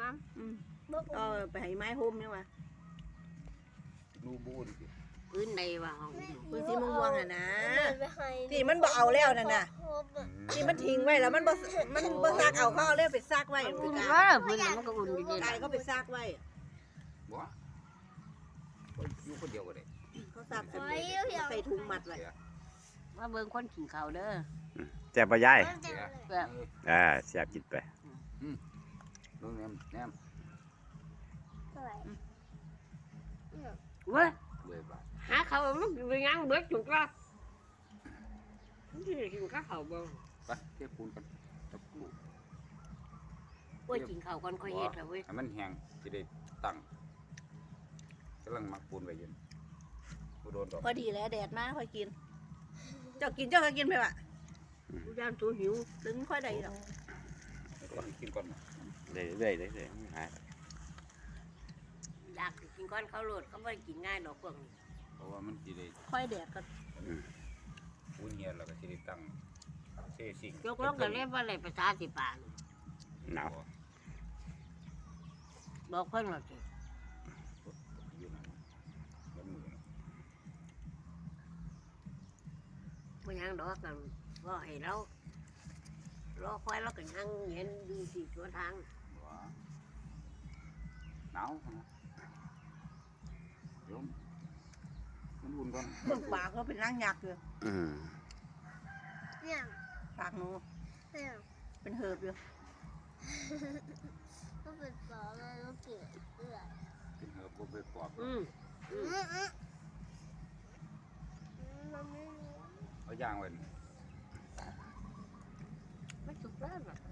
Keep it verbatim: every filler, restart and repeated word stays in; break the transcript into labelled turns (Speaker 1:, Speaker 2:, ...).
Speaker 1: มั้ง
Speaker 2: อืมก็ไปให้ไม้โฮมเนี่ยว่ะ
Speaker 3: นูบูน
Speaker 1: พื้นในว่าห้อง
Speaker 2: พื้นสีม่วงๆอ่ะนะที่มันบ่เอาแล้วนั่นน่ะที่มันทิ้งไว้แล้วมันบ่มันบ่ซักเอาเขาเอาเลยไปซักไว้
Speaker 1: อุ่น
Speaker 2: กา
Speaker 1: เว้ยพื้นมันก็อุ่นอยู่ดี
Speaker 2: กายเขาไปซักไว้
Speaker 3: บ่อยู่คนเดียวก็ได้
Speaker 2: เขาซักเสร็จใส่ถุงมัดไว้
Speaker 1: ว่าเบิ่งคนกินข้าวเด้อ
Speaker 4: แซ่บบ่ยาย
Speaker 1: แบบ
Speaker 4: อ่าแซ่บกินไป
Speaker 3: น้องแนมแนม
Speaker 1: เว้ย
Speaker 3: เลยบาท
Speaker 1: หาข้าวมันไปยังเบิดจุกละที่กินข้าวบ่
Speaker 3: ไปเทียบคูณกันกับกู
Speaker 1: โอ้ยกินข้าวก่อนค่อยเฮ็ดล่ะเว้ย
Speaker 3: ให้มันแห้งจะได้ตั้งกำลังมักปูนไว้อยืนกูโดนดอก
Speaker 2: พอดีแล้วแดดมาค่อยกิน เจ้ากินเจ้าก็กินไปว่ะ
Speaker 1: กูย่านตัวหิว
Speaker 2: ถึงค่อยได้ดอก
Speaker 3: ก่อนกินก่อน
Speaker 4: เรื่อยๆเรื่อยๆหาย
Speaker 1: อยากสิกินก้อนข้าวโลดเขาบ่ได้กินง่ายดอกพวกนี้
Speaker 3: เพราะว่ามันจะได้
Speaker 2: ค่อยแดดก็
Speaker 3: ปูนเงียแล้วก็จะได้ตั้งเซซิ่ง
Speaker 1: ยกลงก็เรียกว่าอะไรภาษาสิปาน
Speaker 4: หนาว
Speaker 1: บอกเพิ่นว่าสิ
Speaker 3: อยู่นั่นแล้วมือ
Speaker 1: บ่ยังดอกกันว่าให้เรารอคอยเราก็ยังเห็นดูสิตัวทาง
Speaker 3: ว้าหนาวนะเดี๋ยวมันอุ่นก่อน
Speaker 2: เบิ่งปากเขาเป็นร่างยักษ์อยู่
Speaker 4: อืม
Speaker 5: เนี่ย
Speaker 2: ปากหนู
Speaker 5: เนี่ย
Speaker 2: เป็นเหิบอยู่
Speaker 5: ก็เป็นปอเลยแล้วเกลือเกลือ
Speaker 3: กินเหือบไปปอก
Speaker 1: อืม
Speaker 5: อืมอืมมันไม่มี
Speaker 3: เอาย่างไว้
Speaker 1: ไม่สุกแล้วน่ะ